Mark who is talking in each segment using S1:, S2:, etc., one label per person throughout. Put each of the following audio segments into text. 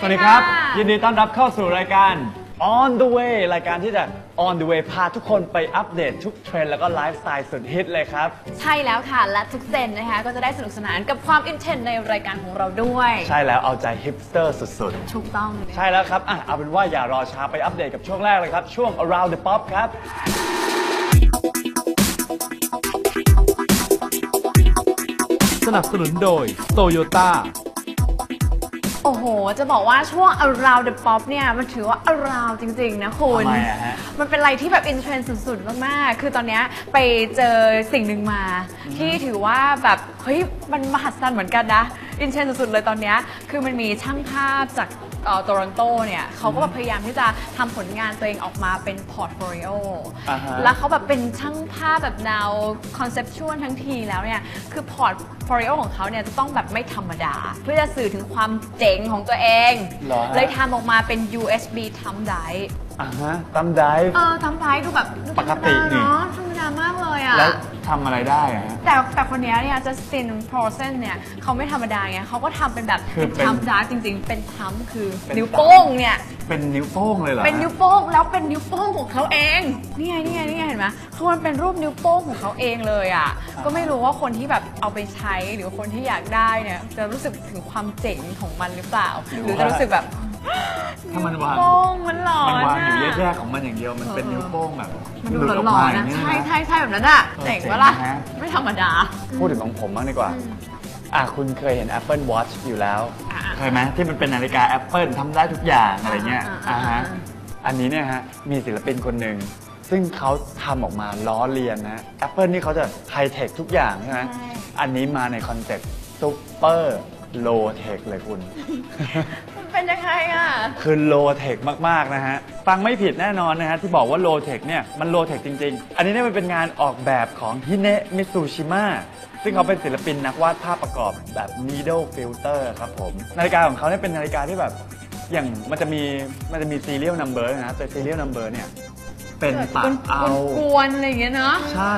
S1: วัสดีครับยินดีต้อนรับเข้าสู่รายการ On the Way รายการที่จะ On the Way พาทุกคนไปอัปเดตทุกเทรนด์แล้วก็ไลฟ์สไตล์สุดฮิตเลยครับ
S2: ใช่แล้วค่ะและทุกเซนนะคะก็จะได้สนุกสนานกับความอินเทนในรายการของเราด้วย
S1: ใช่แล้วเอาใจฮิปสเตอร์สุด
S2: ๆถูกต้อง
S1: ใช่แล้วครับเอาเป็นว่าอย่ารอช้าไปอัปเดตกับช่วงแรกเลยครับช่วง Around the Pop ครับ
S3: สนับสนุนโดย Toyota
S2: โอ้โหจะบอกว่าช่วง Around the Pop เนี่ยมันถือว่า Around จริงๆนะคุณ
S1: ทำไมอะฮะ
S2: มันเป็นอะไรที่แบบอินเทรนด์สุดๆมากๆคือตอนนี้ไปเจอสิ่งหนึ่งมาที่ถือว่าแบบเฮ้ยมันมหัศจรรย์เหมือนกันนะอินเทรนด์สุดๆเลยตอนนี้คือมันมีช่างภาพจากโตรอนโตเนี่ยเขาก็แบบพยายามที่จะทำผลงานตัวเองออกมาเป็นพอร์ตโฟลิโอแล้วเขาแบบเป็นช่างภาพแบบแนวคอนเซปชวลทั้งทีแล้วเนี่ยคือพอร์ตโฟลิโอของเขาเนี่ยจะต้องแบบไม่ธรรมดาเพื่อจะสื่อถึงความเจ๋งของตัวเองเลยทำออกมาเป็น USB Thumb Drive
S1: Thumb Drive
S2: Thumb Drive ดูแบบ
S1: ปกตินี่
S2: ธรรมดามากเลยอ่ะ
S1: แล้วทำอะไรได้อะ
S2: แต่คนนี้เนี่ยจัสตินโพรเซนเนี่ยเขาไม่ธรรมดาไงเขาก็ทำเป็นแบบเป็นทัมดาร์จริงๆเป็นทัมคือนิ้วโป้งเนี่ย
S1: เป็นนิ้วโป้งเลยเหรอ
S2: เป็นนิ้วโป้งแล้วเป็นนิ้วโป้งของเขาเองนี่ไงเห็นไหมคือมันเป็นรูปนิ้วโป้งของเขาเองเลยอ่ะก็ไม่รู้ว่าคนที่แบบเอาไปใช้หรือคนที่อยากได้เนี่ยจะรู้สึกถึงความเจ๋งของมันหรือเปล่าหรือจะรู้สึกแบบ
S1: ถ้ามันวาง
S2: มันหลอน
S1: มันวางอยู่แยกๆของมันอย่างเดียวมันเป็นนิ้วโป้งแบบ
S2: มันดูหลอนนะใช่แบบนั้นอ่ะเจ๋งปะล่ะไม่ธรรมดา
S1: พูดถึงของผมบ้างดีกว่าคุณเคยเห็น Apple Watch อยู่แล้วเคยไหมที่มันเป็นนาฬิกา Apple ทำได้ทุกอย่างอะไรเงี้ยอันนี้เนี่ยฮะมีศิลปินคนหนึ่งซึ่งเขาทำออกมาล้อเลียนนะ Apple นี่เขาจะไฮเทคทุกอย่างใช่ไหมอันนี้มาในคอนเซ็ปต์ซุปเปอร์โลเทคเลยคุณ
S2: เป็นยังไงอ่ะ
S1: คือโลเทคมากๆนะฮะฟังไม่ผิดแน่นอนนะฮะที่บอกว่าโลเทคเนี่ยมันโลเทคจริงๆอันนี้เนี่ยมันเป็นงานออกแบบของฮิเนะมิซูชิมะซึ่งเขาเป็นศิลปินนักวาดภาพประกอบแบบ needle filter ครับผมนาฬิกาของเขาเนี่ยเป็นนาฬิกาที่แบบอย่างมันจะมี serial number นะแต่ serial number เนี่ยเป็นปะเอา
S2: กวนอะไรอย่างเงี้ยเนาะ
S1: ใช่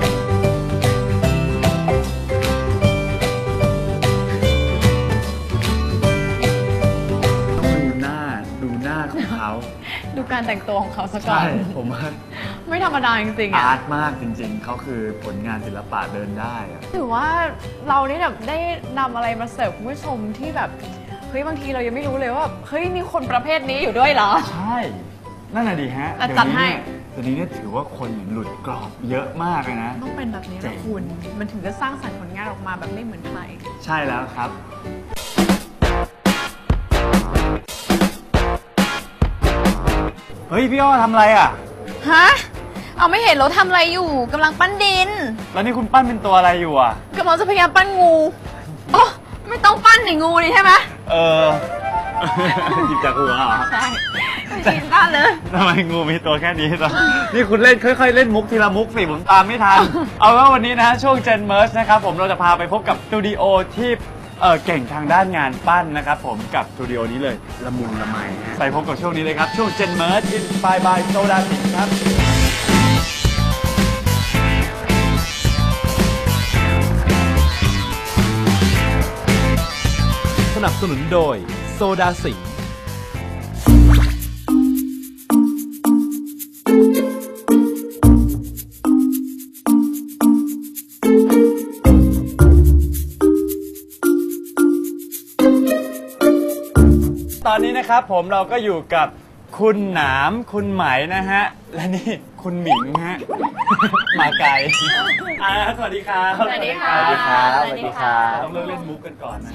S1: ดูหน้าของเขา
S2: ดูการแต่งตัวของเขาสักก่อน
S1: ใช่ผมว่า
S2: ไม่ธรรมดาจริงๆ
S1: อาร์ตมากจริงๆเขาคือผลงานศิลปะเดินได้
S2: ถือว่าเรานี่แบบได้นำอะไรมาเสิร์ฟคุณผู้ชมที่แบบเฮ้ยบางทีเรายังไม่รู้เลยว่าเฮ้ยมีคนประเภทนี้อยู่ด้วยเหรอ
S1: ใช่นั่นน่ะดีฮะ
S2: จัดให้
S1: ตอนนี้เนี่ยถือว่าคนหลุดกรอบเยอะมากเลยนะ
S2: ต้องเป็นแบบนี้นะคุณมันถึงจะสร้างสรรค์ผลงานออกมาแบบไม่เหมือนใคร
S1: ใช่แล้วครับเฮ้ยพี่อ้อทำอะไรอ่ะ
S2: ฮะเอาไม่เห็นเราทำอะไรอยู่กำลังปั้นดิน
S1: แล้วนี่คุณปั้นเป็นตัวอะไรอยู่อ่ะ
S2: กำลังจะพยายามปั้นงูอ๋อไม่ต้องปั้นหนิงูนี่ใช่ไหม
S1: หยิบจากหัวเหรอ
S2: ใช่ชินปั้นเลย
S1: ทำไมงูมีตัวแค่นี้ตอนนี่คุณเล่นค่อยๆเล่นมุกทีละมุกสิผมตามไม่ทันเอาว่าวันนี้นะช่วง Gen Merge นะครับผมเราจะพาไปพบกับสตูดิโอที่เก่งทางด้านงานปั้นนะครับผมกับสตูดิโอนี้เลยละมุนละไมไปพบกับช่วงนี้เลยครับช่วง Gen Merge Inspired by Soda Sing ครับ
S3: สนับสนุนโดยโซดาสิงห์
S1: ตอนนี้นะครับผมเราก็อยู่กับคุณหนามคุณไหมนะฮะและนี่คุณหมิงฮะมาไกลสวัสดีครับ
S2: สวัสดีค่ะ
S1: สวัสดีครับสวัสดีครับต้องเล่นมุกกันก่อนนะ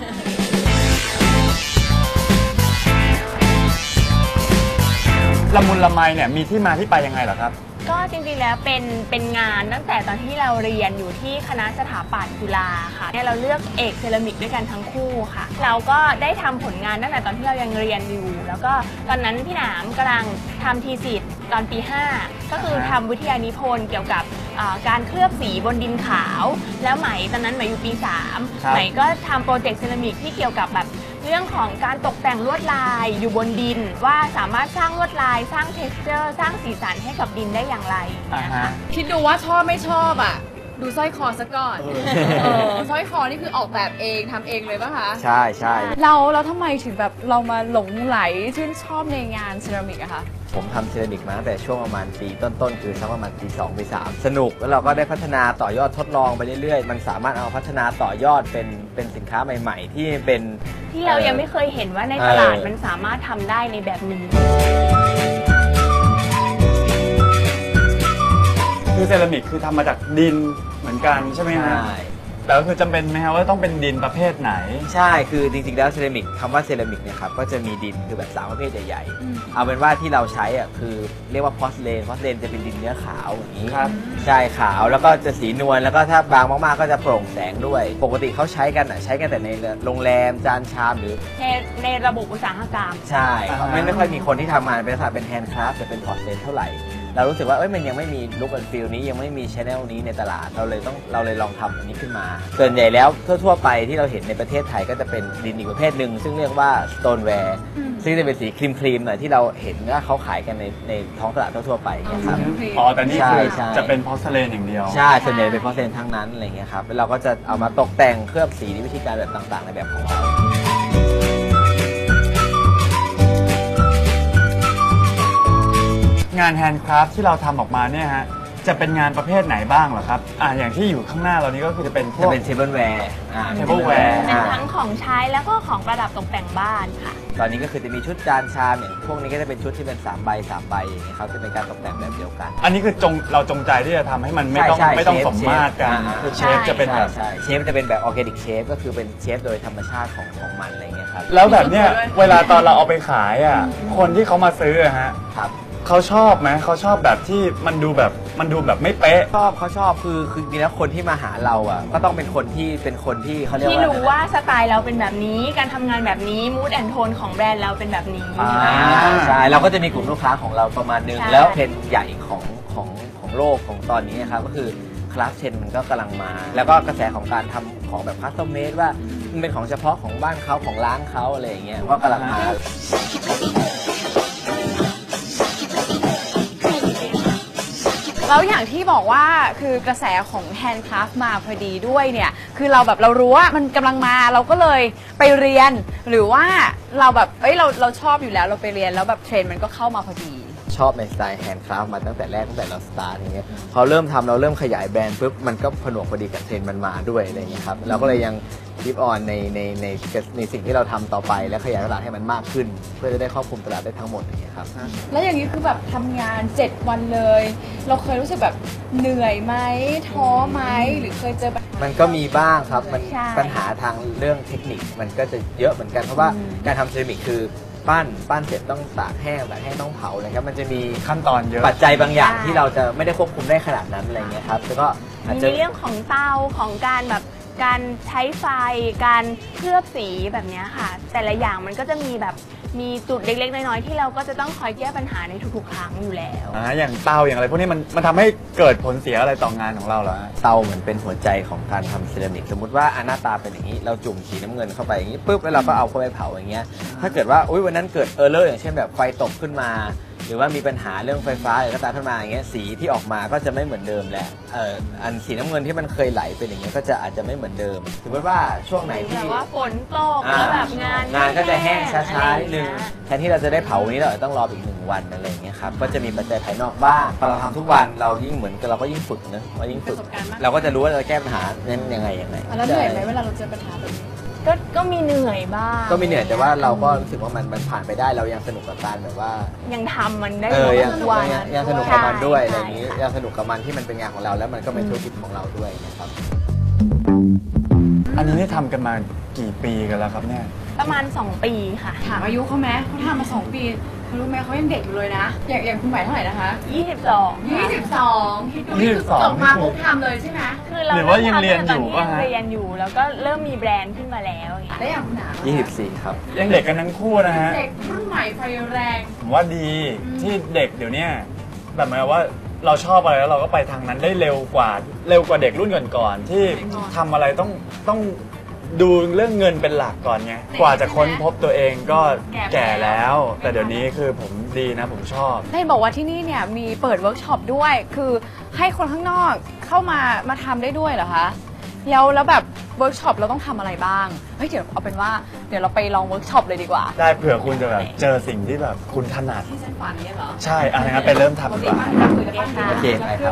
S1: ละมุนละไมเนี่ยมีที่มาที่ไปยังไงเหรอครับ
S4: ก็จริงๆแล้วเป็นงานตั้งแต่ตอนที่เราเรียนอยู่ที่คณะสถาปัตย์จุฬาค่ะเนี่ยเราเลือกเอกเซรามิกด้วยกันทั้งคู่ค่ะเราก็ได้ทำผลงานตั้งแต่ตอนที่เรายังเรียนอยู่แล้วก็ตอนนั้นพี่หนามกำลังทำทีสิทธ์ตอนปี 5ก็คือทำวิทยานิพนธ์เกี่ยวกับการเคลือบสีบนดินขาวแล้วไหมตอนนั้นไหมอยู่ปี 3ไหมก็ทำโปรเจกต์เซรามิกที่เกี่ยวกับแบบเรื่องของการตกแต่งลวดลายอยู่บนดินว่าสามารถสร้างลวดลายสร้าง texture สร้างสีสันให้กับดินได้อย่างไรนะคะ
S2: คิดดูว่าชอบไม่ชอบอ่ะดูสร้อยคอซะก่อนสร้อยคอนี่คือออกแบบเองทำเองเลยป่ะคะ
S5: ใช่ใช่
S2: เราทำไมถึงแบบเรามาหลงไหลชื่นชอบในงานเซรามิกอะคะ
S5: ผมทำเซรามิกมาตั้งแต่ช่วงประมาณปีต้นๆคือสักประมาณปี2ปี3สนุกแล้วเราก็ได้พัฒนาต่อยอดทดลองไปเรื่อยๆมันสามารถเอาพัฒนาต่อยอดเป็นสินค้าใหม่ๆ ที่เป็น
S4: ที่เรายังไม่เคยเห็นว่าในตลาดมันสามารถทำได้ในแบบนี้
S1: คือเซรามิกคือทำมาจากดินเหมือนกันใช่ไหมฮะ
S5: ใช่
S1: แล้วคือจำเป็นไหมฮะว่าต้องเป็นดินประเภทไหน
S5: ใช่ คือจริงๆ แล้วเซรามิกคำว่าเซรามิกเนี่ยครับ ก็จะมีดินคือแบบ3ประเภทใหญ่ๆ เอาเป็นว่าที่เราใช้อ่ะคือเรียกว่าพอสเลนจะเป็นดินเนื้อขาวอย่างนี้
S1: ครับ
S5: ใช่ขาวแล้วก็จะสีนวลแล้วก็ถ้าบางมากๆ ก็จะโปร่งแสงด้วย ปกติเขาใช้กันใช้กันแต่ในโรงแรมจานชามหรือ
S4: ในระบบอุตสาหกรรม
S5: ใช่
S1: อ่าฮะ
S5: ไม่ค่อยมีคนที่ทำงานเป็นลักษณะเป็นแฮนด์คราฟต์จะเป็นพอร์ตเลนเท่าไหร่ เรารู้สึกว่ามันยังไม่มีลุคแอนด์ฟีลนี้ยังไม่มีชแนลนี้ในตลาดเราเลยลองทำอันนี้ขึ้นมา ส่วนใหญ่แล้วทั่วๆไปที่เราเห็นในประเทศไทยก็จะเป็นดินอีกประเภทหนึ่งซึ่งเรียกว่า stoneware ซึ่งจะเป็นสีครีมๆหน่อยที่เราเห็นว่าเขาขายกันในท้องตลาดทั่วๆไปอย่างเงี้ยครับ
S1: อ๋อแต่นี่คือ
S5: ใช่
S1: จะเป็นพอร์สเลนอย่างเดียว
S5: ใช่ ส่วนใหญ่เป็นพอร์ตเลนทั้งนั้นอะไรเงี้ยครับแล้วเราก็จะเอามาตกแต่งเคลือบสีในวิธีการแบบต่างๆในแบบของเรา
S1: งานแฮนด์คราฟที่เราทำออกมาเนี่ยฮะจะเป็นงานประเภทไหนบ้างเหรอครับอย่างที่อยู่ข้างหน้าเรานี้ก็คือจะเป็นพว
S5: จะ
S1: ก
S5: เป็นเทเบิลแวร์
S1: tableware
S4: เป็นทั้งของใช้แล้วก็ของประดับตกแต่งบ้านค่ะ
S5: ตอนนี้ก็คือจะมีชุดจานชามอย่างพวกนี้ก็จะเป็นชุดที่เป็น3ใบ3ใบอย่างเงี้ยครับจะเป็นการตกแต่งแบบเดียวกัน
S1: อันนี้คือเราจงใจที่จะทำให้มันไม่ต้อง
S5: ใช่
S1: ไม่ต้อง
S5: เชฟ
S1: สมมาตรกัน
S5: เชฟ
S1: คือเชฟจะเป็นแบบ
S5: ใช่เชฟจะเป็นแบบออร์แกนิกเชฟก็คือเป็นเชฟโดยธรรมชาติของมันอะไรเงี้ยครับ
S1: แล้วแบบเนี้ยเวลาตอนเราเอาไปขายคนที่เขามาซื้อฮะ
S5: ครับ
S1: เขาชอบไหมเขาชอบแบบที่มันดูแบบไม่เป๊ะ
S5: เขาชอบคือจริงๆแล้วคนที่มาหาเราก็ต้องเป็นคนที่เขาเรียก
S4: ที่
S5: ว่า
S4: รู้ว่าสไตล์เราเป็นแบบนี้การทำงานแบบนี้มูดแอนโทนของแบรนด์เราเป็นแบบนี้
S5: ใช่เราก็จะมีกลุ่มลูกค้าของเราประมาณนึง
S4: ใช่
S5: แล้วเทรนด์ใหญ่ของโลกของตอนนี้นะครับก็คือคลาสเทรนมันก็กำลังมา แล้วก็กระแสของการทำของแบบคัสตอมเมดว่ามันเป็นของเฉพาะของบ้านเขาของร้านเขาอะไรอย่างเงี้ยก็กำลังมา
S2: แล้วอย่างที่บอกว่าคือกระแสของแฮนด์คราฟต์มาพอดีด้วยเนี่ยคือเราแบบเรารู้ว่ามันกำลังมาเราก็เลยไปเรียน หรือว่าเราแบบเราชอบอยู่แล้วเราไปเรียนแล้วแบบเทรนด์มันก็เข้ามาพอดี
S5: ชอบในสไตล์แฮนด์คราฟต์มาตั้งแต่แรกตั้งแต่เราสตาร์ทอย่างเงี้ยพอเริ่มทำเราเริ่มขยายแบรนด์ปุ๊บมันก็ผนวกพอดีกับเทรนด์มันมาด้วยอะไรอย่างเงี้ยครับเราก็เลยยังคีปออนในสิ่งที่เราทำต่อไปและขยายตลาดให้มันมากขึ้น เพื่อจะได้ครอบคลุมตลาดได้ทั้งหมดอย่างเงี้ยครับ
S2: แล้วอย่างนี้คือแบบทำงาน 7 วันเลย เราเคยรู้สึกแบบเหนื่อยไหมท้อไหมหรือเคยเจอปัญหา
S5: มันก็มีบ้างครับมัน
S4: ใช่
S5: ปัญหาทางเรื่องเทคนิคมันก็จะเยอะเหมือนกันเพราะว่าการทำเซรามิกคือปั้นเสร็จต้องตากแห้งต้องเผาอะไรครับมันจะมี
S1: ขั้นตอนเยอะ
S5: ปัจจัยบางอย่างที่เราจะไม่ได้ควบคุมได้ขนาดนั้นอะไรเงี้ยครับแล้วก็อาจ
S4: มี
S5: จะ
S4: เรื่องของเตาของการแบบการใช้ไฟการเคลือบสีแบบเนี้ยค่ะ แต่ละอย่างมันก็จะมีแบบมีจุดเล็กๆน้อยๆที่เราก็จะต้องคอยแก้ปัญหาในทุกๆครั้งอยู่แล้ว
S1: อย่างเตาอย่างอะไรพวกนี้มันทำให้เกิดผลเสียอะไรต่องานของเราเหรอฮะ
S5: เตาเหมือนเป็นหัวใจของการทำเซรามิกสมมติว่าหน้าตาเป็นอย่างนี้เราจุ่มสีน้ำเงินเข้าไปอย่างนี้ปุ๊บแล้วเราก็เอาเข้าไปเผาอย่างเงี้ยถ้าเกิดว่าวันนั้นเกิดเออร์เลอร์อย่างเช่นแบบไฟตกขึ้นมา หรือว่ามีปัญหาเรื่องไฟฟ้าอะไรก็ตามขึ้นมาอย่างเงี้ยสีที่ออกมาก็จะไม่เหมือนเดิมแหละอันสีน้ำเงินที่มันเคยไหลเป็นอย่างเงี้ยก็จะอาจจะไม่เหมือนเดิมสมมติว่าช่วงไหนที่
S4: แบบว่าฝนตกแล้วแบบงาน
S5: ก็จะแห้งช้าๆนิดนึง
S4: อะไรอย่างเงี้ย
S5: แทนที่เราจะได้เผาวันนี้เราอาจจะต้องรออีก1 วันอะไรอย่างเงี้ยครับก็จะมีปัจจัยภายนอกบ้างพอเราทำทุกวันเรายิ่งเหมือนกับเราก็ยิ่งฝึกนะเรายิ่งฝึก
S2: ประสบการณ์มาก
S5: เราก็จะรู้ว่าเราจะแก้ปัญหานั้นยังไง
S2: แล้วเหนื่อยไหมเวลาเราเจอปัญหาแบบนี้
S4: ก็มีเหนื่อยบ้าง
S5: ก็มีเหนื่อยแต่ว่าเราก็รู้สึกว่ามันผ่านไปได้เรายังสนุกกับการแบบว่า
S4: ยังทำมันได้
S5: ยัง
S4: ทุกวัน
S5: ยังสนุกกับมันด้วยอะไร
S4: ใช่
S5: อย่างนี้
S4: ใช่
S5: ยังสนุกกับมันที่มันเป็นงานของเราแล้วมันก็เป็นธุรกิจของเราด้วยนะครับ
S1: อันนี้นี่ทำกันมากี่ปีกันแล้วครับเนี่ย
S4: ประมาณ 2 ปีค่ะ
S2: ถามอายุเขาไหมเขาทำมา2 ปีเขารู้ไหมเขายังเด็กอยู่เลยนะ อย่างคุณหมายเท่าไหร่นะคะ
S4: 22
S2: 22คิดดูนี่คือจบมาปุ๊บทำเลยใช่ไหม
S4: คือเรา
S1: หรือว่ายังเรียนอยู่
S4: ตอน
S1: ป่ะ
S4: ที่
S1: ฮะ
S4: เรียนอยู่แล้วก็เริ่มมีแบรนด์ขึ้นมาแล้วอย่างเงี้ย
S2: แล้วอย่างคุณหนา
S5: 24 ครับ
S1: ยังเด็กกันทั้งคู่นะฮะ
S2: เด็กรุ่นใหม่ไฟแรง
S1: ผมว่าดีที่เด็กเดี๋ยวเนี้ยแบบหมายว่าเราชอบอะไรแล้วเราก็ไปทางนั้นได้เร็วกว่าเด็กรุ่นก่อนๆที่ทำอะไรต้องดูเรื่องเงินเป็นหลักก่อนไงกว่าจะค้นพบตัวเองก็แก่แล้ว แต่เดี๋ยวนี้คือผมดีนะผมชอบ
S2: ได้บอกว่าที่นี่เนี่ยมีเปิดเวิร์กช็อปด้วย คือให้คนข้างนอกเข้ามาทำได้ด้วยเหรอคะแล้วแบบเวิร์กช็อปเราต้องทำอะไรบ้างเฮ้ยเดี๋ยวเอาเป็นว่าเดี๋ยวเราไปลองเวิร์กช็อปเลยดีกว่า
S1: ได้เผื่อคุณจะแบบเจอสิ่งที่แบบคุณถนัด
S2: ที่ฉันฝันเนี่ยเหรอ
S1: ใช่อะไรงั้นไปเริ่มทำดีกว่า
S5: โอเคไปครับ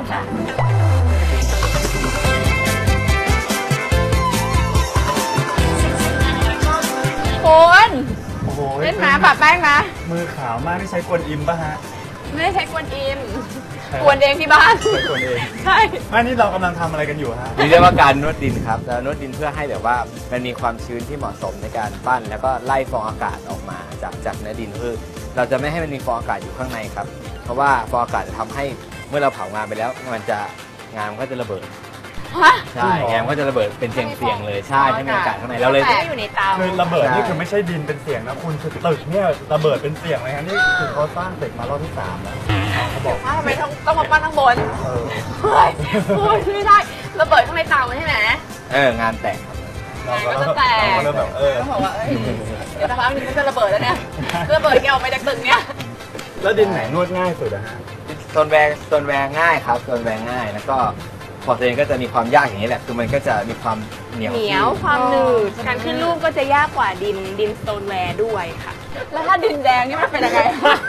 S2: คุณ
S1: โอ้โห
S2: เล่นหมาปะแป้งนะ
S1: มือขาวมากที่ใช้กวนอิมป่ะฮะ
S2: ไม่ได้ใช้กวนอิมกวนเองที่บ้าน
S1: ใช้กวนเอง
S2: ใช่
S1: อันนี้เรากำลังทำอะไรกันอยู่ฮะ
S5: นี่เรียกว่าการนวดดินครับแล้วนวดดินเพื่อให้แบบว่ามันมีความชื้นที่เหมาะสมในการปั้น แล้วก็ไล่ฟองอากาศออกมาจากเนื้อดินคือเราจะไม่ให้มันมีฟองอากาศอยู่ข้างในครับเพราะว่าฟองอากาศจะทำให้เมื่อเราเผางานไปแล้วงานมันก็จะระเบิด
S2: ฮะ
S5: ใช่งานมันก็จะระเบิดเป็นเสียงๆเลยใช่ถ้ามีอากาศข้างในเราเลย
S4: ก็อยู่ในเตา
S1: คือระเบิด
S5: ใช่
S1: นี่คือไม่ใช่ดินเป็นเสียงนะคุณคือตึกเนี่ยระเบิดเป็นเสียงเลยฮะนี่คือเขาสร้างตึกมารอบที่3แล้วเขาบอก
S2: ทำไมต้องมาปั้นข้างบน
S1: เออ
S2: เฮ้ยคุณไม่ได้ระเบิดข้างในเตาใช่ไหม
S5: งานแต่งครับ
S1: เราก็
S2: ก็จะแตก
S1: เราก็เริ่มแบบ
S2: ต้องบอกว่าเอ้ยเดี๋ยวสักพักนึงมันจะระเบิดแล้วเนี่ยระเบิดแกออกไปจากตึกเนี่ย
S1: แล้วดินไหนนวดง่ายสุดอะฮะ
S5: โซนแวงง่ายครับโซนแวงง่ายแล้วก็พอตัวเองก็จะมีความยากอย่างนี้แหละคือมันก็จะมีความเหนียว
S4: เหนียวความหนืดการขึ้นรูปก็จะยากกว่าดินสโตนแวร์ด้วยค่ะ
S2: แล้วถ้าดินแดงนี่มันเป็นยังไง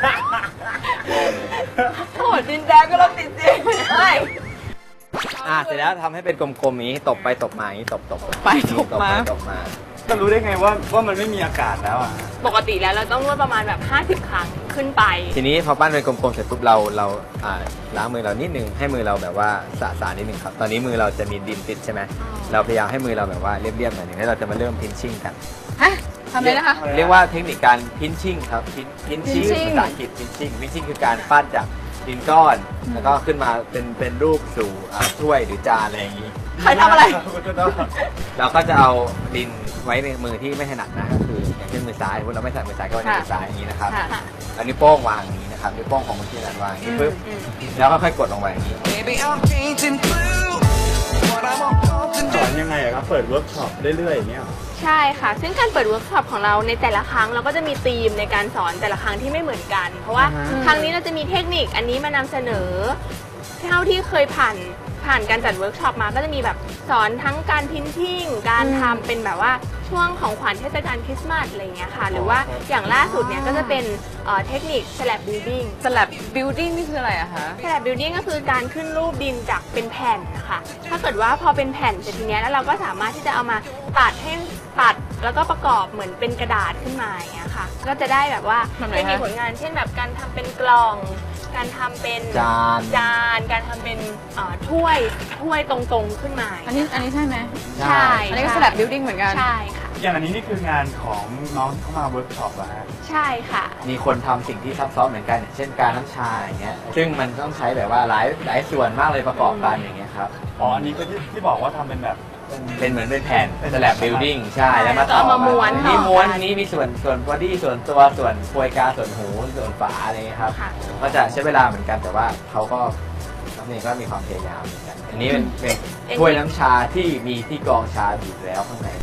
S2: โอ้ดินแดงก็เราติดจริงใช่
S5: เสร็จแล้วทำให้เป็นกลมๆอย่างนี้ตบไปตบมาอย่างนี้ตบ
S2: ไปตบมา
S5: ตบมา
S1: จะรู้ได้ไงว่ามันไม่มีอากาศแล้วอะ
S4: ปกติแล้วเราต้องนวดประมาณแบบ50 ครั้งขึ้นไป
S5: ทีนี้พอปั้นเป็นกลมๆเสร็จปุ๊บเราล้างมือเรานิดนึงให้มือเราแบบว่าสะนิดนึงครับตอนนี้มือเราจะมีดินติดใช่ไหมเราพยายามให้มือเราแบบว่าเรียบๆหน่อยนึงแล้วเราจะมาเริ่มพินชิ่งกัน
S2: ฮะทำเลยนะคะ
S5: เรียกว่าเทคนิคการพินชิ่งครับพินชิ่ง
S2: pinching
S5: ภาษาอังกฤษพินชิ่งคือการปั้นจากดินก้อน แล้วก็ขึ้นมาเป็นรูปสู่ถ้วยหรือจานอะไรอย่างนี้
S2: ใครทำอะไร
S5: เราก็จะเอาดินไว้ในมือที่ไม่ถนัดนะก็คืออย่างเช่นมือซ้ายเราไม่ถนัดมือซ้ายก็ไว้ในมือซ้ายอย่างนี้นะครับ
S2: ค่ะ
S5: เอานิ้วโป้งวางอย่างนี้นะครับนิ้วโป้งของมือที่ถนัดวางอย่างนี้ปุ๊บแล้วก็ค่อยกดลงไปอย่างนี้
S6: Maybe I'm painting blue. What I'm on
S1: สอนยังไงอะครับเปิดเวิร์กช็อปเรื่อยๆอย่างเงี้ยหรอ
S4: ใช่ค่ะ ซึ่งการเปิดเวิร์กช็อปของเราในแต่ละครั้งเราก็จะมีธีมในการสอนแต่ละครั้งที่ไม่เหมือนกัน เพราะว่า
S1: อ่าฮะ
S4: ครั้งนี้เราจะมีเทคนิคอันนี้มานำเสนอ เท่าที่เคยผ่านการจัดเวิร์กช็อปมาก็จะมีแบบสอนทั้งการพิมพ์ทิ้งการทำเป็นแบบว่าช่วงของขวัญเทศกาลคริสต์มาสอะไรเงี้ยค่ะ หรือว่าอย่างล่าสุดเนี่ยก็จะเป็นเทคนิค slab building
S2: สลับบิวดิ้งนี่คืออะไรอะคะ
S4: slab building ก็คือการขึ้นรูปดินจากเป็นแผ่นนะคะถ้าเกิดว่าพอเป็นแผ่นเสร็จทีเนี้ยแล้วเราก็สามารถที่จะเอามาตัดแล้วก็ประกอบเหมือนเป็นกระดาษขึ้นมาอย่างเงี้ยค่ะ ก็จะได้แบบว่า
S2: แบบไหน
S4: เป็น
S2: คะ
S4: มีผลงานเช่นแบบการทำเป็นกล่อง การทำเป็น
S5: จาน
S4: การทำเป็นถ้วยตรงๆขึ้นมา
S2: อันนี้ใช่ไหม
S4: ใช่
S2: อันนี้ก็สลับบิวดิ้งเหมือนกัน
S4: ใช่ค่ะ
S1: อย่างอันนี้นี่คืองานของน้องที่เข้ามาเวิร์กช็อปเหรอฮะ
S4: ใช่ค่ะ
S5: มีคนทำสิ่งที่ซับซ้อนเหมือนกันอย่างเช่นการน้ำชาอย่างเงี้ยซึ่งมันต้องใช้แบบว่าหลายส่วนมากเลยประกอบกันอย่างเงี้ยครับ
S1: อ๋ออันนี้ก็ที่บอกว่าทำเป็นแบบ
S5: เป็นเหมือนเป็นแผ่น
S1: เป็น
S5: สแลบบิลดิ้งใช่แล้วมา
S4: แล้วก็เอามาม้วน
S5: นี่
S4: ต่อกัน
S5: ม้วนนี้มีส่วนบอดี้ส่วนตัวส่วนโปรยกาส่วนหูส่วนฝาอะไรเงี้ยครับ
S4: ค่ะ
S5: ก็จะใช้เวลาเหมือนกันแต่ว่าเขาก็น้องเองก็มีความพยายามเหมือนกันอันนี้เป็นถ้วยน้ำชาที่มีที่กรองชาอยู่แล้วข้างใน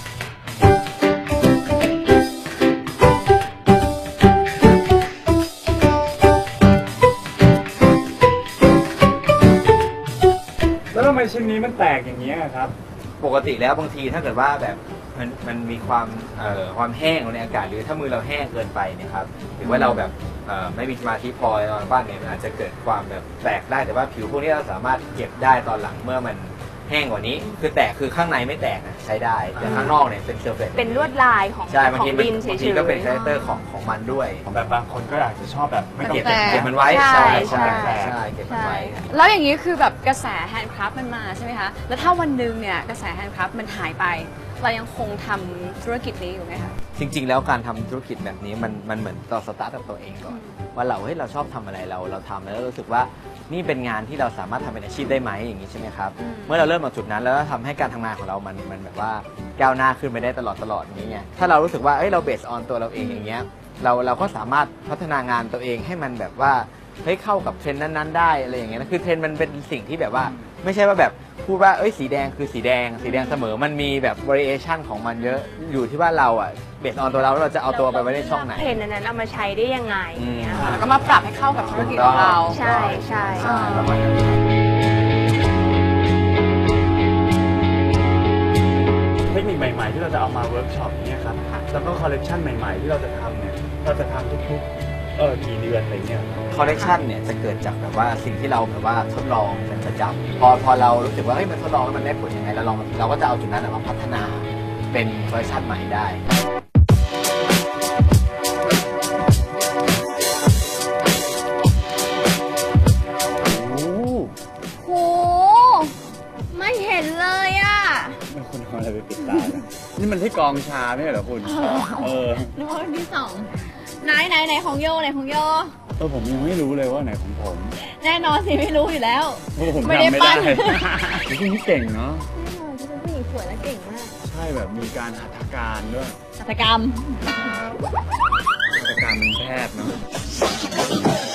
S1: แล้วทำไมชิ้นนี้มันแตกอย่างนี้ยครับ
S5: ปกติแล้วบางทีถ้าเกิดว่าแบบมันมีความแห้งในอากาศหรือถ้ามือเราแห้งเกินไปเนี่ยครับหรือว่าเราแบบไม่มีสมาธิพอตอนปั้นเนี่ยมันอาจจะเกิดความแบบแตกได้แต่ว่าผิวพวกนี้เราสามารถเก็บได้ตอนหลังเมื่อมันแห้งกว่านี้คือแตกคือข้างในไม่แตกนะใช้ได้แต่ข้างนอกเนี่ยเป็นเซอร์เฟซ
S4: เป็นลวดลายของ
S5: ใช่บาง
S4: ของ
S5: ที
S4: ดินเฉ
S5: บาง
S4: ย
S5: ที
S4: ๆ
S5: ก็เป็นคาแรคเตอร์ของมันด้วย
S1: แบบบางคนก็อาจจะชอบแบบไม่ต้อง
S5: เก็บ
S1: แตก
S5: เก็บมันไว้
S4: ใช่
S5: ใช่
S4: ใช่
S5: ใช่เก็บมันไว้
S2: แล้วอย่างนี้คือแบบกระแสแฮนด์คราฟต์มันมาใช่ไหมคะ แล้วถ้าวันหนึ่งเนี่ยกระแสแฮนด์คราฟต์มันหายไป เรายังคงทำธุรกิจนี้อยู่ไหมคะ
S5: จริง ๆ แล้วการทำธุรกิจแบบนี้มันเหมือนเราสตาร์ทกับตัวเองก่อนว่าเราชอบทำอะไรเราทำแล้วรู้สึกว่านี่เป็นงานที่เราสามารถทำเป็นอาชีพได้ไหมอย่างนี้ใช่ไหมครับเมื่อเราเริ่มจากจุดนั้นแล้วทำให้การทำงานของเรามันแบบว่าก้าวหน้าขึ้นไปได้ตลอดอย่างนี้ไงถ้าเรารู้สึกว่าเราเบสออนตัวเราเองอย่างเงี้ยเราก็สามารถพัฒนางานตัวเองให้มันแบบว่าเฮ้ยเข้ากับเทรนด์นั้นๆได้อะไรอย่างเงี้ยนะคือเทรนด์มันเป็นสิ่งที่แบบว่าไม่ใช่ว่าแบบพูดว่าเอ้ยสีแดงคือสีแดงเสมอมันมีแบบ variation ของมันเยอะอยู่ที่ว่าเราอ่ะเบสออนตัวเราเราจะเอาตัวไปไว้ในช่องไหน
S4: เทรนด์นั้นเอามาใช้ได้ยังไงอย่างเงี้ยค่ะ
S2: แล้วก็มาปรับให้เข้ากับธุรกิจของเรา
S4: ใช่ใช่
S5: ประมาณนั้น
S1: เทคนิคใหม่ๆที่เราจะเอามาเวิร์กช็อปเนี่ยครับแล้วก็คอลเลกชันใหม่ๆที่เราจะทำเนี่ยเราจะทำทุกๆกี่เดือนอะไรเงี้ย
S5: คอลเลกชันเนี่ยจะเกิดจากแบบว่าสิ่งที่เราแบบว่าทดลองเป็นประจำพอเรารู้สึกว่าเฮ้ยมันทดลองแล้วมันได้ผลยังไงเราก็จะเอาจุดนั้นมาพัฒนาเป็นเวอร์ชันใหม่ได้
S2: โห ไม่เห็นเลยอ่ะ
S1: เป็นคนเอาอะไรไปปิดตาเนี่ยนี่มันที่กองชาไม่ใช่เหรอคุณ
S2: นึกว่าวันที่สองไหนของโยไหนของโย
S1: ผมยังไม่รู้เลยว่าไหนของผม
S2: แน่นอนสิไม่รู้อยู่แล้ว
S1: เพราะผม
S2: ไม่ได้
S1: จำไม่
S2: ปั้
S1: ได้
S2: น
S1: คุณนี่เก่งเนาะ
S2: เป็นผู้หญิงสวยและเก่งมาก
S1: ใช่แบบมีการหัตถการด้วย
S2: หัตถกรรม
S1: หัตถการเป็นแพทย์เนาะ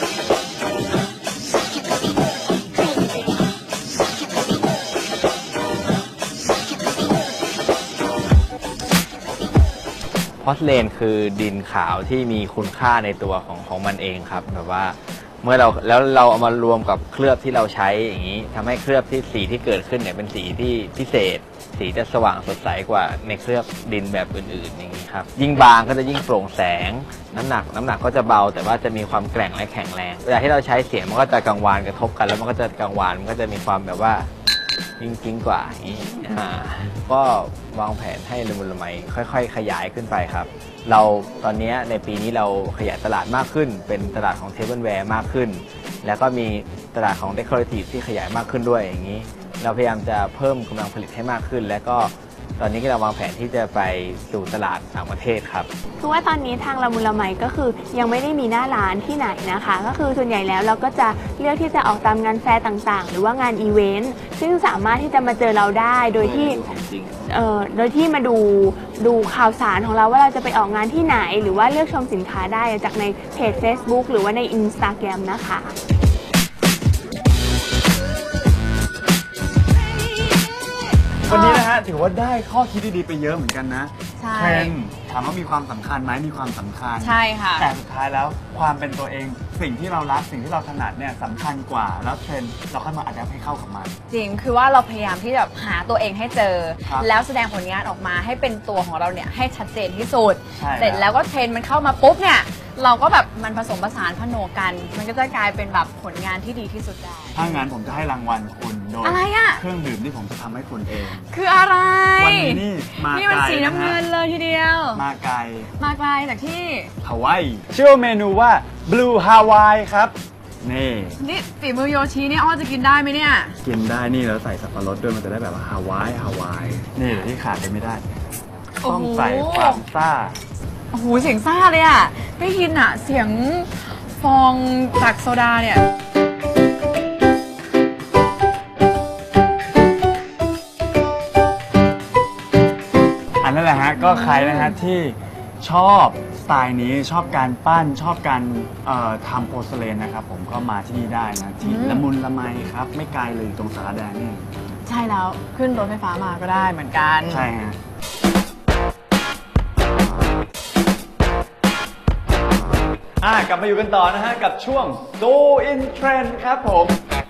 S5: พอสเลนคือดินขาวที่มีคุณค่าในตัวของมันเองครับแบบว่าเมื่อเราเอามารวมกับเคลือบที่เราใช้อย่างนี้ทำให้เคลือบที่สีที่เกิดขึ้นเนี่ยเป็นสีที่พิเศษ สีจะสว่างสดใสกว่าในเคลือบดินแบบอื่นๆอย่างนี้ครับยิ่งบางก็จะยิ่งโปร่งแสงน้ำหนักก็จะเบาแต่ว่าจะมีความแกร่งและแข็งแรงเวลาที่เราใช้เสียงมันก็จะกังวานกระทบกันแล้วมันก็จะกังวานมันก็จะมีความแบบว่าจริงๆกว่าอย่างนี้ก็วางแผนให้ละมุนละไมค่อยๆ ขยายขึ้นไปครับเราตอนนี้ในปีนี้เราขยายตลาดมากขึ้นเป็นตลาดของเทเบิลแวร์มากขึ้นแล้วก็มีตลาดของเดคอเรทีฟที่ขยายมากขึ้นด้วยอย่างนี้เราพยายามจะเพิ่มกำลังผลิตให้มากขึ้นแล้วก็ตอนนี้ก็เราวางแผนที่จะไปสู่ตลาดต่างประเทศครับ
S4: คือว่าตอนนี้ทางละมุนละไมก็คือยังไม่ได้มีหน้าร้านที่ไหนนะคะ ก็คือส่วนใหญ่แล้วเราก็จะเลือกที่จะออกตามงานแฟร์ต่างๆ หรือว่างานอีเวนต์ซึ่งสามารถที่จะมาเจอเราได้โดยที่โดยที่มาดูข่าวสารของเราว่าเราจะไปออกงานที่ไหน หรือว่าเลือกชมสินค้าได้จากในเพจ Facebook หรือว่าใน Instagram นะคะ
S1: วันนี้นะฮะถือว่าได้ข้อคิดดีๆไปเยอะเหมือนกันนะ
S2: ใช่
S1: เทรนด์ถามว่ามีความสำคัญไหมมีความสำคัญ
S2: ใช่ค่ะ
S1: แต่สุดท้ายแล้วความเป็นตัวเองสิ่งที่เรารักสิ่งที่เราถนัดเนี่ยสำคัญกว่าแล้วเทรนด์เราค่อยมาอัดแอปให้เข้ากับมัน
S2: จริง คือว่าเราพยายามที่จะหาตัวเองให้เจอ
S1: ครับ
S2: แล้วแสดงผลงานออกมาให้เป็นตัวของเราเนี่ยให้ชัดเจนที่สุด
S1: ใช่
S2: เสร็จแล้วก็เทรนด์มันเข้ามาปุ๊บเนี่ย เราก็แบบมันผสมผสานผนวกกัน มันก็จะกลายเป็นแบบผลงานที่ดีที่สุดได้
S1: ถ้างั้นผมจะให้รางวัลคุณโดย
S2: อะไรอะ
S1: เครื่องดื่มที่ผมจะทำให้คุณเอง
S2: คืออะไร
S1: วันนี้นี่มา
S2: นี่มัน
S1: ไกล
S2: สีน้ำเงินเลยทีเดียว
S1: มาไกล
S2: มาไกลจากที่
S1: ฮาวายชื่อเมนูว่า Blue Hawaii ครับ นี่
S2: นี่ฝีมือโยชินี่อ้อจะกินได้ไหมเนี่ย
S1: กินได้นี่แล้วใส่สับปะรดด้วยมันจะได้แบบว่าฮาวายนี่เดี๋ยวที่ขาดไปไม่ได้
S2: โอ้โห
S1: ต้องใส่ความซ่า
S2: โอ้โหเสียงซ่าเลยอ่ะได้ยินอ่ะเสียงฟองจากโซดาเนี่ย
S1: อันนั้นแหละฮะก็ใครนะฮะที่ชอบสไตล์นี้ชอบการปั้นชอบการทำโพสเลนนะครับผมก็มาที่นี่ได้นะที่ละมุนละไมครับไม่ไกลเลยอยู่ตรงสารแดงนี่
S2: ใช่แล้วขึ้นรถไฟฟ้ามาก็ได้เหมือนกัน
S1: ใช่ฮะกลับมาอยู่กันต่อนะฮะกับช่วง Go in Trend ครับผม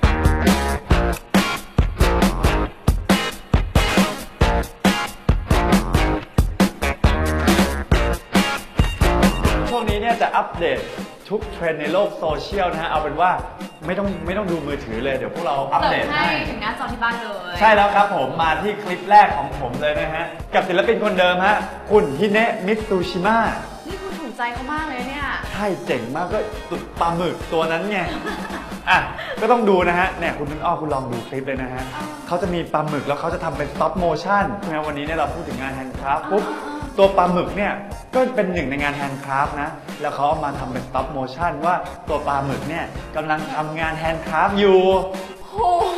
S1: ช่วงนี้เนี่ยจะอัปเดตทุกเทรนด์ในโลกโซเชียลนะฮะเอาเป็นว่าไม่ต้องดูมือถือเลยเดี๋ยวพวกเราอัป
S2: เสิ
S1: เด
S2: ร์
S1: ต
S2: ฟให้
S1: ให้
S2: ถึงหน้าจอที่บ้านเลย
S1: ใช่แล้วครับผมมาที่คลิปแรกของผมเลยนะฮะ กับศิลปินคนเดิมฮะ คุณฮิเนะมิตซูชิมะ
S2: นี่คุณถูกใจเขามากเลยเนี่ย
S1: ใช่เจ๋งมากก็ตุดปลาหมึกตัวนั้นไง อ่ะ ก็ต้องดูนะฮะเนี่ยคุณต้นอ้อคุณลองดูคลิปเลยนะฮะเขาจะมีปลาหมึกแล้วเขาจะทำเป็น stop motion นะวันนี้เนี่ยเราพูดถึงงานแฮนด์คราฟปุ๊บตัวปลาหมึกเนี่ยก็เป็นหนึ่งในงานแฮนด์คราฟนะแล้วเขาเอามาทำเป็น stop motion ว่าตัวปลาหมึกเนี่ยกำลังทำงานแฮนด์คราฟอยู่
S2: โอ้โห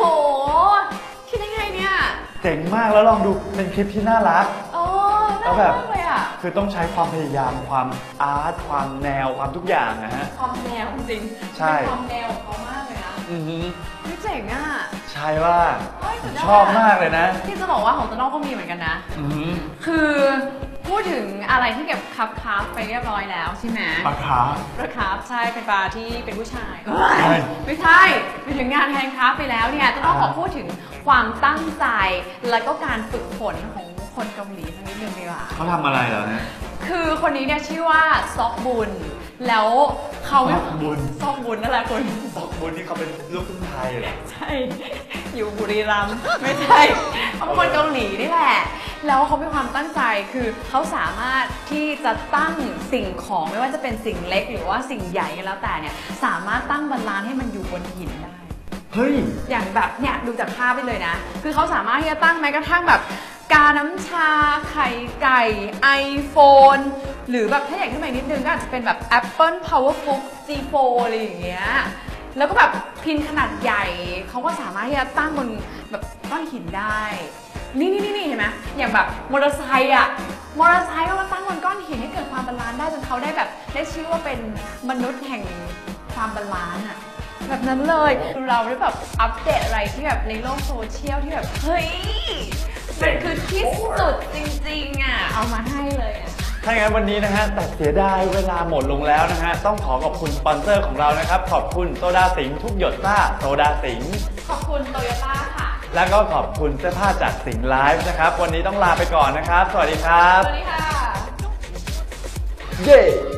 S2: คิดได้ไงเนี่ย
S1: เจ๋งมากแล้วลองดูเป็นคลิปที่น่ารัก
S2: โอ้
S1: แล้
S2: น่าว
S1: แบ
S2: รัก
S1: บ
S2: มากเลยอ่ะ
S1: คือคือต้องใช้ความพยายามความอาร์ตความแนวความทุกอย่างนะฮะ
S2: ความแนวจริง
S1: ใช่
S2: เป็นความแนวของเขามากเลยนะ
S1: อือหือ
S2: ไม่เจ๋งอ่ะ
S1: ใช่ว่า
S2: เฮ้ยสุดยอด
S1: ชอบมากเลยนะ
S2: ที่จะบอกว่าของโตโน่ก็มีเหมือนกันนะ
S1: อือหือ
S2: คือพูดถึงอะไรที่เก็บคับไปเรียบร้อยแล้วใช่ไหม
S1: ปลาคาร์ฟ
S2: ปลาคาร์ฟใช่เป็นปลาที่เป็นผู้ชาย
S1: ใช่
S2: ไม่ใช่ไปถึงงานแฮนด์คราฟต์ไปแล้วเนี่ยจะต้องขอพูดถึงความตั้งใจ แล้วก็การฝึกฝนของคนเกาหลีสักนิดนึงดีกว่า
S1: เขาทำอะไรเหรอเนี่ย
S2: คือคนนี้เนี่ยชื่อว่าซอกบุญ แล้วเขา
S1: ซอกบุญ
S2: ซอกบุญนั่นแหละคุณ
S1: ซอกบุญนี่เขาเป็นลูกครึ่งไทยเหรอ
S2: ใช่ อยู่บุรีรัมย์ไม่ใช่เขาเป็นคนเกาหลีนี่แหละ แล้วเขามีความตั้งใจคือเขาสามารถที่จะตั้งสิ่งของไม่ว่าจะเป็นสิ่งเล็กหรือว่าสิ่งใหญ่ก็แล้วแต่เนี่ยสามารถตั้งบาลานซ์ให้มันอยู่บนหินได้
S1: เฮ้ย
S2: อย่างแบบเนี่ยดูจากภาพไปเลยนะ คือเขาสามารถที่จะตั้งแม้กระทั่งแบบกาน้ำชาไข่ไก่ iPhone หรือแบบถ้าใหญ่ขึ้นมาอีกนิดนึงก็อาจจะเป็นแบบ Apple Powerbook G4 อะไรอย่างเงี้ย แล้วก็แบบพินขนาดใหญ่เขาก็สามารถที่จะตั้งบนแบบก้อนหินได้ นี่เห็นไหมอย่างแบบมอเตอร์ไซค์อะมอเตอร์ไซค์ก็มาตั้งบนก้อนหินให้เกิดความบาลานซ์ได้จนเขาได้แบบได้ชื่อว่าเป็นมนุษย์แห่งความบาลานซ์อะแบบนั้นเลยเราได้แบบอัปเดตอะไรที่แบบในโลกโซเชียลที่แบบเฮ้ยมันคือที่สุดจริงๆอะเอามาให้เลยอะ
S1: ถ้าอย่างนั้นวันนี้นะฮะแต่เสียดายเวลาหมดลงแล้วนะฮะต้องขอขอบคุณสปอนเซอร์ของเรานะครับขอบคุณโซดาสิงห์ทุกหยดซ่าโซดาสิงห์
S2: ขอบคุณโตโยต้าค่ะ
S1: แล้วก็ขอบคุณเสื้อผ้าจากสิงห์ไลฟ์นะครับวันนี้ต้องลาไปก่อนนะครับสวัสดีครับ
S2: สวัสดีค่ะ
S1: เย้